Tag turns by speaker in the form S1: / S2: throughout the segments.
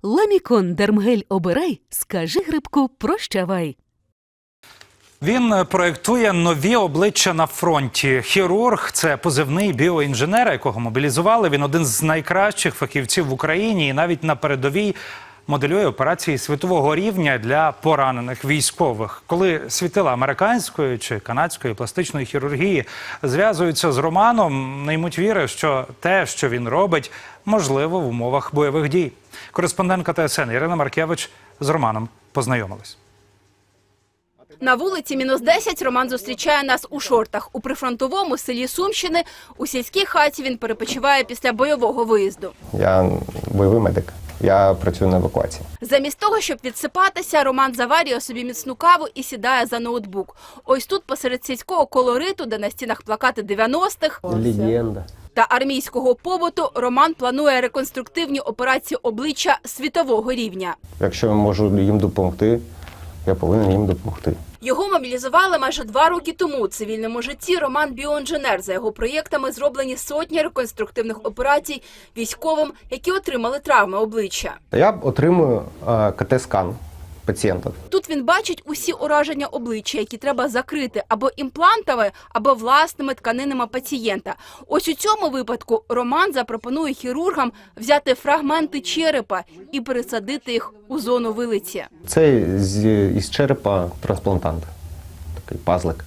S1: Ламікон Дермгель обирай, скажи грибку прощавай.
S2: Він проєктує нові обличчя на фронті. Хірург – це позивний біоінженера, якого мобілізували. Він один з найкращих фахівців в Україні і навіть на передовій моделює операції світового рівня для поранених військових. Коли світила американської чи канадської пластичної хірургії зв'язуються з Романом, не ймуть віри, що те, що він робить, можливо в умовах бойових дій. Кореспондентка ТСН Ірина Маркевич з Романом познайомилась.
S3: На вулиці -10 Роман зустрічає нас у шортах. У прифронтовому селі Сумщини у сільській хаті він перепочиває після бойового виїзду.
S4: Я бойовий медик. Я працюю на евакуації.
S3: Замість того, щоб відсипатися, Роман заварює собі міцну каву і сідає за ноутбук. Ось тут, посеред сільського колориту, де на стінах плакати 90-х
S4: Легенда.
S3: та армійського побуту, Роман планує реконструктивні операції обличчя світового рівня.
S4: Якщо я можу їм допомогти, я повинен їм допомогти.
S3: Його мобілізували майже 2 роки тому. У цивільному житті Роман – біоінженер. За його проєктами зроблені сотні реконструктивних операцій військовим, які отримали травми обличчя.
S4: Я отримую КТ-скан пацієнта.
S3: Тут він бачить усі ураження обличчя, які треба закрити або імплантами, або власними тканинами пацієнта. Ось у цьому випадку Роман запропонує хірургам взяти фрагменти черепа і пересадити їх у зону вилиці.
S4: Це із черепа трансплантант. Такий пазлик.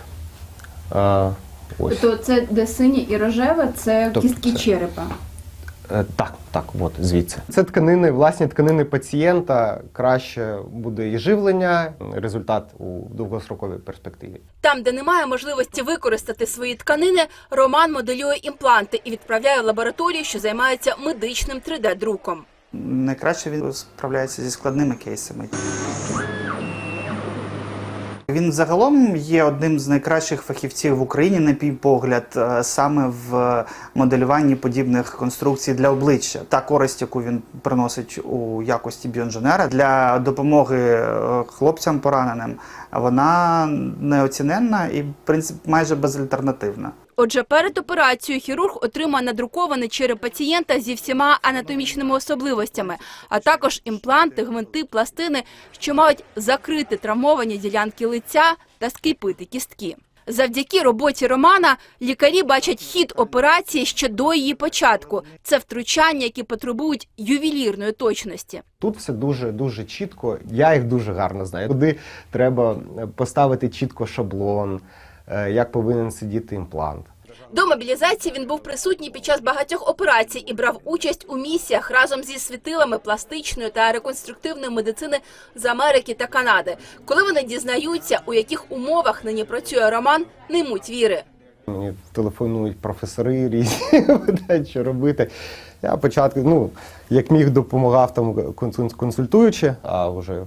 S4: Ось.
S3: Тобто це де синє і рожеве, це кістки черепа.
S4: Так, от звідси. Це тканини, власні тканини пацієнта, краще буде і живлення, результат у довгостроковій перспективі.
S3: Там, де немає можливості використати свої тканини, Роман моделює імпланти і відправляє в лабораторію, що займається медичним 3D-друком.
S5: Найкраще він справляється зі складними кейсами. Він загалом є одним з найкращих фахівців в Україні, на мій погляд, саме в моделюванні подібних конструкцій для обличчя. Та користь, яку він приносить у якості біоінженера для допомоги хлопцям пораненим, вона неоціненна і, в принципі, майже безальтернативна.
S3: Отже, перед операцією хірург отримає надрукований череп пацієнта зі всіма анатомічними особливостями, а також імпланти, гвинти, пластини, що мають закрити травмовані ділянки лиця та скріпити кістки. Завдяки роботі Романа лікарі бачать хід операції ще до її початку. Це втручання, які потребують ювелірної точності.
S4: Тут все дуже чітко, я їх дуже гарно знаю. Куди треба поставити чітко шаблон, як повинен сидіти імплант.
S3: До мобілізації він був присутній під час багатьох операцій і брав участь у місіях разом зі світилами пластичної та реконструктивної медицини з Америки та Канади. Коли вони дізнаються, у яких умовах нині працює Роман, не ймуть віри.
S4: Мені телефонують професори різні, питають, що робити. Я спочатку, як міг, допомагав там консультуючи, а вже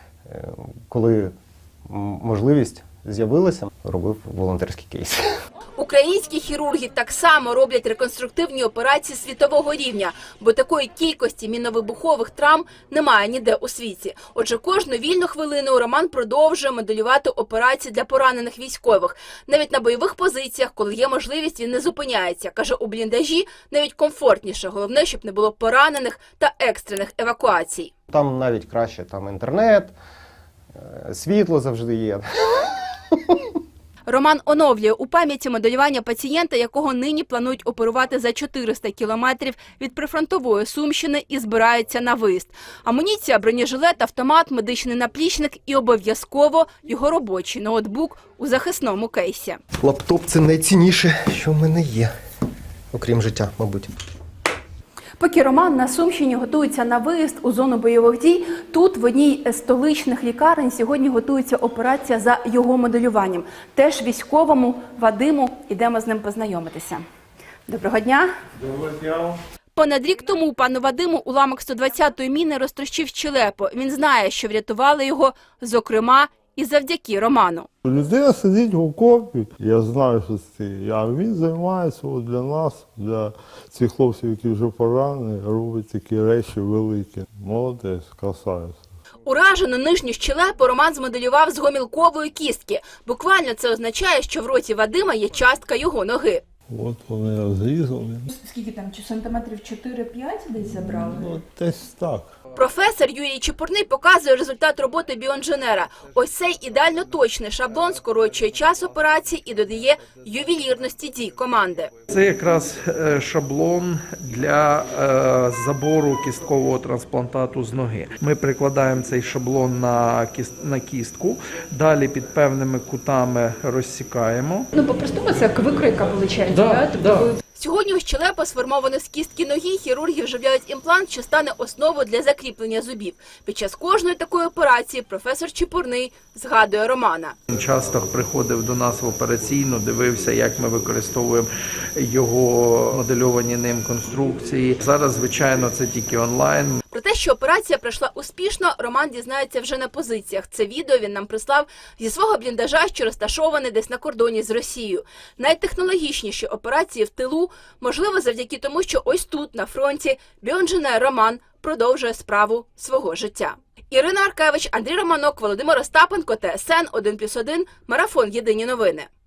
S4: коли можливість з'явилася, робив волонтерський кейс.
S3: Українські хірурги так само роблять реконструктивні операції світового рівня, бо такої кількості міновибухових травм немає ніде у світі. Отже, кожну вільну хвилину Роман продовжує моделювати операції для поранених військових. Навіть на бойових позиціях, коли є можливість, він не зупиняється. Каже, у бліндажі навіть комфортніше. Головне, щоб не було поранених та екстрених евакуацій.
S4: Там навіть краще, там інтернет, світло завжди є.
S3: Роман оновлює у пам'яті моделювання пацієнта, якого нині планують оперувати за 400 кілометрів від прифронтової Сумщини і збирається на виїзд. Амуніція, бронежилет, автомат, медичний наплічник і обов'язково його робочий ноутбук у захисному кейсі.
S4: Лаптоп – це найцінніше, що в мене є, окрім життя, мабуть.
S3: Поки Роман на Сумщині готується на виїзд у зону бойових дій, тут в одній з столичних лікарень сьогодні готується операція за його моделюванням. Теж військовому Вадиму. Ідемо з ним познайомитися. Доброго дня.
S6: Доброго дня.
S3: Понад рік тому пану Вадиму уламок 120-ї міни розтрощив щелепу. Він знає, що врятували його, зокрема, і завдяки Роману.
S6: Людина сидить в окопі, я знаю, що це. А він займається для нас, для цих хлопців, які вже поранені, робить такі речі великі. Молодець, красавець.
S3: Уражену нижню щелепу Роман змоделював з гомілкової кістки. Буквально це означає, що в роті Вадима є частка його ноги.
S6: От вони розрізали.
S3: Скільки там, чи сантиметрів 4-5 десь забрали?
S6: Ну, десь так.
S3: Професор Юрій Чепурний показує результат роботи біоінженера. Ось цей ідеально точний шаблон скорочує час операції і додає ювелірності дій команди.
S7: Це якраз шаблон для забору кісткового трансплантату з ноги. Ми прикладаємо цей шаблон на кістку, далі під певними кутами розсікаємо.
S8: Ну, по-простому це як викройка виходить, да?
S7: Да.
S3: Сьогодні у щелепа, сформовану з кістки ноги, хірурги вживляють імплант, що стане основою для закріплення зубів. Під час кожної такої операції професор Чепурний згадує Романа.
S7: Часто приходив до нас в операційну, дивився, як ми використовуємо його модельовані ним конструкції. Зараз, звичайно, це тільки онлайн.
S3: Про те, що операція пройшла успішно, Роман дізнається вже на позиціях. Це відео він нам прислав зі свого бліндажа, що розташований десь на кордоні з Росією. Найтехнологічніші операції в тилу можливо завдяки тому, що ось тут, на фронті, біоінженер Роман продовжує справу свого життя. Ірина Аркевич, Андрій Романок, Володимир Остапенко, ТСН 1+1, Марафон. Єдині новини.